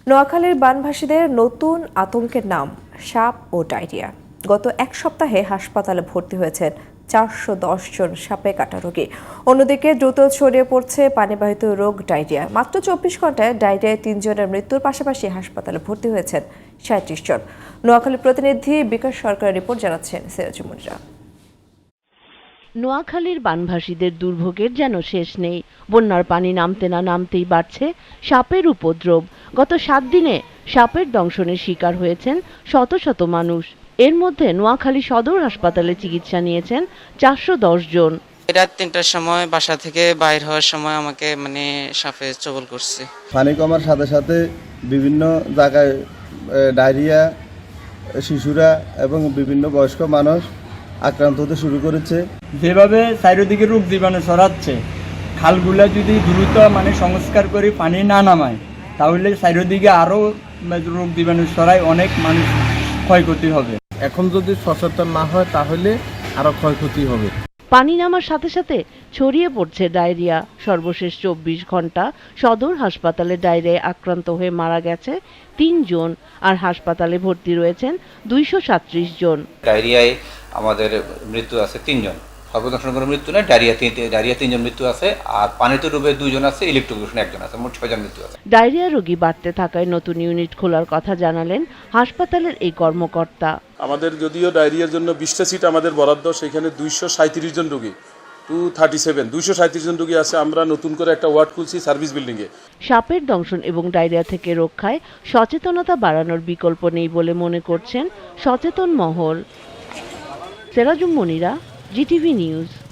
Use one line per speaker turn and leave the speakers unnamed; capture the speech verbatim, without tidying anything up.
নোয়াখালীর বানভাসীদের নতুন আতঙ্কের নাম সাপ ও ডায়রিয়া। গত এক সপ্তাহে হাসপাতালে ভর্তি হয়েছেন চারশো দশ জন সাপে কাটা রোগী। অন্যদিকে দ্রুত ছড়িয়ে পড়ছে পানিবাহিত রোগ ডায়রিয়া। মাত্র চব্বিশ ঘন্টায় ডায়রিয়ায় তিনজনের মৃত্যুর পাশাপাশি হাসপাতালে ভর্তি হয়েছেন সাঁত্রিশ জন। নোয়াখালীর প্রতিনিধি বিকাশ সরকারের রিপোর্ট জানাচ্ছেন সিরাজুল মুনিরা।
নোয়াখালীর বানভাসীদের দুর্ভোগের যেন শেষ নেই। বন্যার পানি নামতে না নামতেই বাড়ছে সাপের উপদ্রব। গত সাত দিনে সাপের দংশনের শিকার হয়েছেন শত শত মানুষ। এর মধ্যে নোয়াখালী সদর হাসপাতালে চিকিৎসা নিয়েছেন চারশো দশ জন।
রাত তিনটার সময় বাসা থেকে বাইর হওয়ার সময় আমাকে মানে সাপে চবল করছে।
পানি কমার সাথে সাথে বিভিন্ন জায়গায় ডায়রিয়া, শিশুরা এবং বিভিন্ন বয়স্ক মানুষ আক্রান্ত হতে শুরু করেছে।
যেভাবে চারিদিকে রোগ জীবাণু ছড়াচ্ছে, খালগুলা যদি দ্রুত মানে সংস্কার করে পানি না নামায় তাহলে চারিদিকে আরও রোগ জীবাণু ছড়ায়, অনেক মানুষ ক্ষয়ক্ষতি হবে।
এখন যদি সচেতন না হয় তাহলে আরো ক্ষয়ক্ষতি হবে।
পানি নামার সাথে সাথে ছড়িয়ে পড়ছে ডায়রিয়া। সর্বশেষ চব্বিশ ঘন্টা সদর হাসপাতালে ডায়রিয়ায় আক্রান্ত হয়ে মারা গেছে তিনজন, আর হাসপাতালে ভর্তি রয়েছেন দুইশো সাতত্রিশ জন।
ডায়রিয়ায় আমাদের মৃত্যু আছে তিনজন, সর্বদর্শন কোনো মৃত্যু নেই। ডায়রিয়া ডায়রিয়া তিনজন মৃত্যু আছে, আর পানিতে ডুবে দুইজন আছে, ইলেকট্রোকিউশন একজন আছে, মোট ছয়জন মৃত্যু আছে।
ডায়রিয়া রোগী বাড়তে থাকায় নতুন ইউনিট খোলার কথা জানালেন হাসপাতালের এই কর্মকর্তা।
আমাদের যদিও ডায়রিয়ার জন্য বিশটা সিট আমাদের বরাদ্দ, সেখানে দুইশো সাঁত্রিশ জন রোগী টু থার্টি সেভেন দুইশো সাঁত্রিশ জন রোগী আছে। আমরা নতুন করে একটা ওয়ার্ড খুলছি সার্ভিস বিল্ডিংয়ে।
সাপের দংশন এবং ডায়রিয়া থেকে রক্ষায় সচেতনতা বাড়ানোর বিকল্প নেই বলে মনে করছেন সচেতন মহল। Sirajul Munira, GTV news.